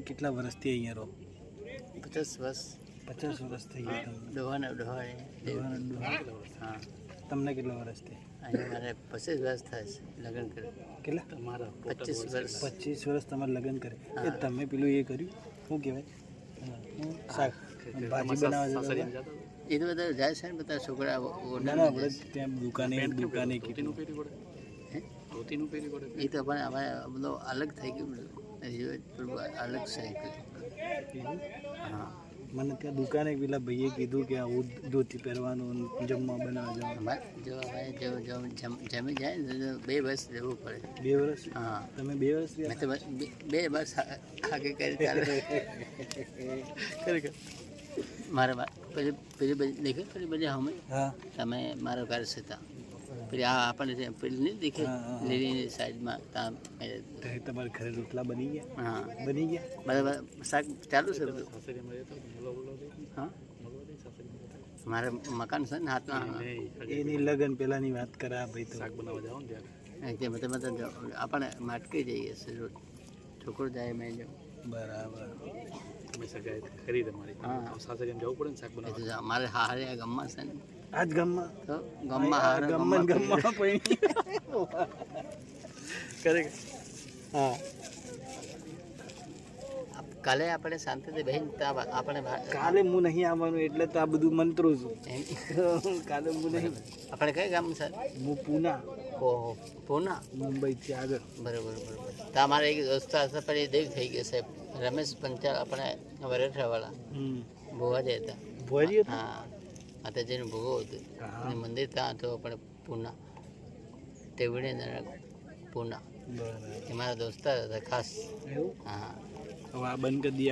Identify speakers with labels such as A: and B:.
A: તમે કેટલા વર્ષથી અહીંયા રહો?
B: 50 વર્ષ.
A: 50 વર્ષ થઈ ગયા તમને?
B: ડોહાને હા.
A: તમને કેટલા વર્ષથી?
B: અહીંયા મારે 25 વર્ષ થાય છે લગ્ન કરે.
A: કેટલા
B: તમારા 25 વર્ષ.
A: 25 વર્ષ તમારે લગ્ન કરે. એ તમે પેલું એ કર્યું શું કહેવાય શાક ભાજી બનાવવા જતા?
B: એ તો બધા જાય છે ને બધા છોકરા
A: ના ના આપણે ત્યાં દુકાને કીધું
B: એ તો પણ હવે બધો અલગ થઈ ગયું બધું અલગ છે. હા
A: મને ત્યાં દુકાને પેલા ભાઈએ કીધું કે આવું ધોતી પહેરવાનું જમવા બનાવવા જવાનું.
B: જો હવે જો જમી જાય ને તો 2 વર્ષ રહેવું પડે.
A: 2 વર્ષ?
B: હા
A: તમે 2 વર્ષ
B: મેં તો 2 વર્ષ આગે કરી ખરેખર મારા પેલી દેખે પેલી બધી અમે
A: હા
B: તમે મારો ઘર છે ત્યાં પેલી આ આપણને પેલી નહીં દેખે લીલીની સાઈડમાં ત્યાં
A: તમારા ઘરે રોટલા બની ગયા?
B: હા
A: બની ગયા.
B: બરાબર શાક ચાલુ છે બધું. હા મારે મકાન છે ને હાથમાં.
A: એની લગન પેલાની વાત કરે આ ભાઈ. તો શાક બનાવવા જાવ
B: ને આપણે માટકી જઈએ છે રોજ છોકરો જાય મેં જાઉં.
A: બરાબર.
B: મારે હારે ગામમાં છે ને
A: આજ ગામમાં
B: તો ગામમાં
A: હા
B: કાલે આપણે શાંતિથી બહેન આપણે
A: કાલે હું નહીં આવવાનું એટલે તો આ બધું મંત્રો છું. કાલે હું નહીં.
B: આપણે કઈ ગામ છે?
A: હું પૂના.
B: ઓહો પૂના
A: મુંબઈથી આગળ.
B: બરાબર બરાબર. તો અમારે એક દોસ્ત હશે પણ એ દેવ થઈ ગયો સાહેબ રમેશ પંચાલ આપણે વરેઠાવાળા ભુવાજી હતા.
A: ભુવાજી?
B: હા માતાજીનું ભોગો હતું અને મંદિર ત્યાં હતું આપણે પૂના તેવડી પૂના. એ મારા દોસ્તાર હતા ખાસ.
A: એવું?
B: હા
A: હવે આ બંધ કરી દઈએ.